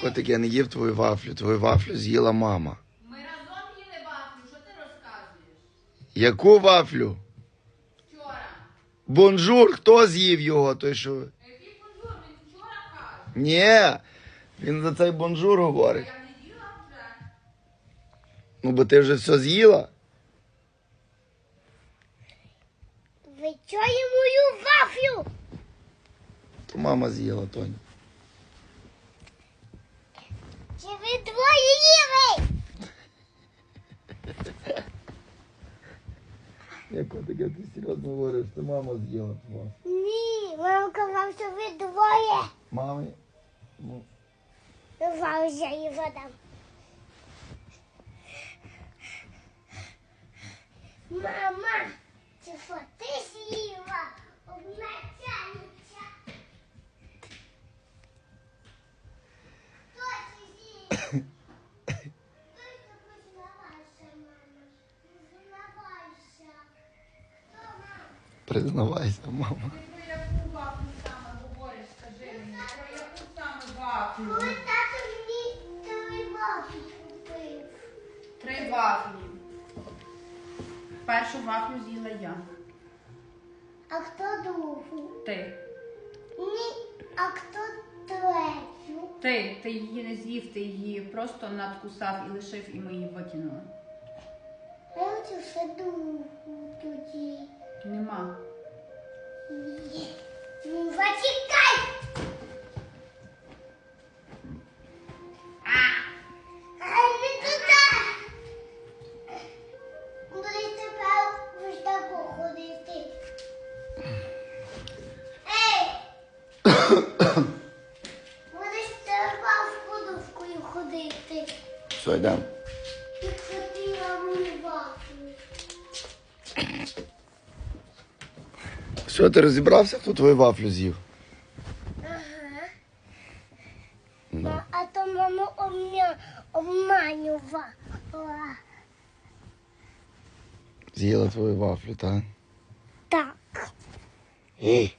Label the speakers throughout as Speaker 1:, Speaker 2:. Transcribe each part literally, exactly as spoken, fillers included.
Speaker 1: Котик, я не їв твою вафлю. Твою вафлю з'їла мама.
Speaker 2: Ми разом їли вафлю, що ти розказуєш?
Speaker 1: Яку вафлю?
Speaker 2: Вчора.
Speaker 1: Бонжур, хто з'їв його? Той, що...
Speaker 2: Який бонжур? Він вчора каже.
Speaker 1: Ні, він за цей бонжур говорить.
Speaker 2: Я не їла вже.
Speaker 1: Ну, бо ти вже все з'їла.
Speaker 3: Ви чуєте мою вафлю?
Speaker 1: То мама з'їла, Тоня.
Speaker 3: Чи ви двоє їли?
Speaker 1: Як котик, ти серйозно говориш, це мама з'їла твого.
Speaker 3: Ні, мама казала, що ви двоє.
Speaker 1: Мамі? Ну,
Speaker 3: Зараз я її подам. Мама, чи що ти з'їла? Обмацяниця. Хто це з'їв? Тільки признавайся, мама. Признавайся. Хто, мама?
Speaker 1: признавайся, мама.
Speaker 2: Ти про яку вафлю саме говориш, скажи мені? Про яку саме вафлю?
Speaker 3: Коли тато мені три вафлі купив.
Speaker 2: Три вафлі. Першу вафлю з'їла я.
Speaker 3: А хто другу?
Speaker 2: Ти.
Speaker 3: Ні, а хто третю?
Speaker 2: Ти. Ти її не з'їв, ти її просто надкусав і лишив, і ми її викинули.
Speaker 3: Я хочу ще другу тоді.
Speaker 2: Нема.
Speaker 3: Ні. Ну, зачекай! А не туди! Будеш тепер ось тако ходити. Ей! Будеш тепер з подушкою ходити.
Speaker 1: Все, йдемо.
Speaker 3: І хотіла мою вафлю.
Speaker 1: Все, ти розібрався, хто твою вафлю з'їв?
Speaker 3: Ага.
Speaker 1: Ну.
Speaker 3: А то мама обмя... обманювала.
Speaker 1: З'їла твою вафлю, так?
Speaker 3: Так.
Speaker 1: Ей.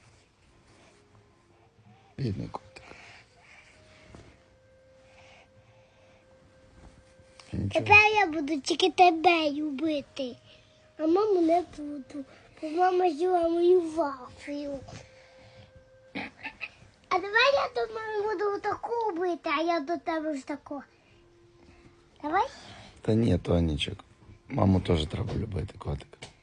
Speaker 1: Бідний котик. Нічого.
Speaker 3: Тепер я буду тільки тебе любити. А маму не буду. Бо мама з'їла мою вафлю. А давай я до мами буду таку бити, а я до тебе ж таку. Давай?
Speaker 1: Та ні, Тонічок. Маму теж треба любити, котик.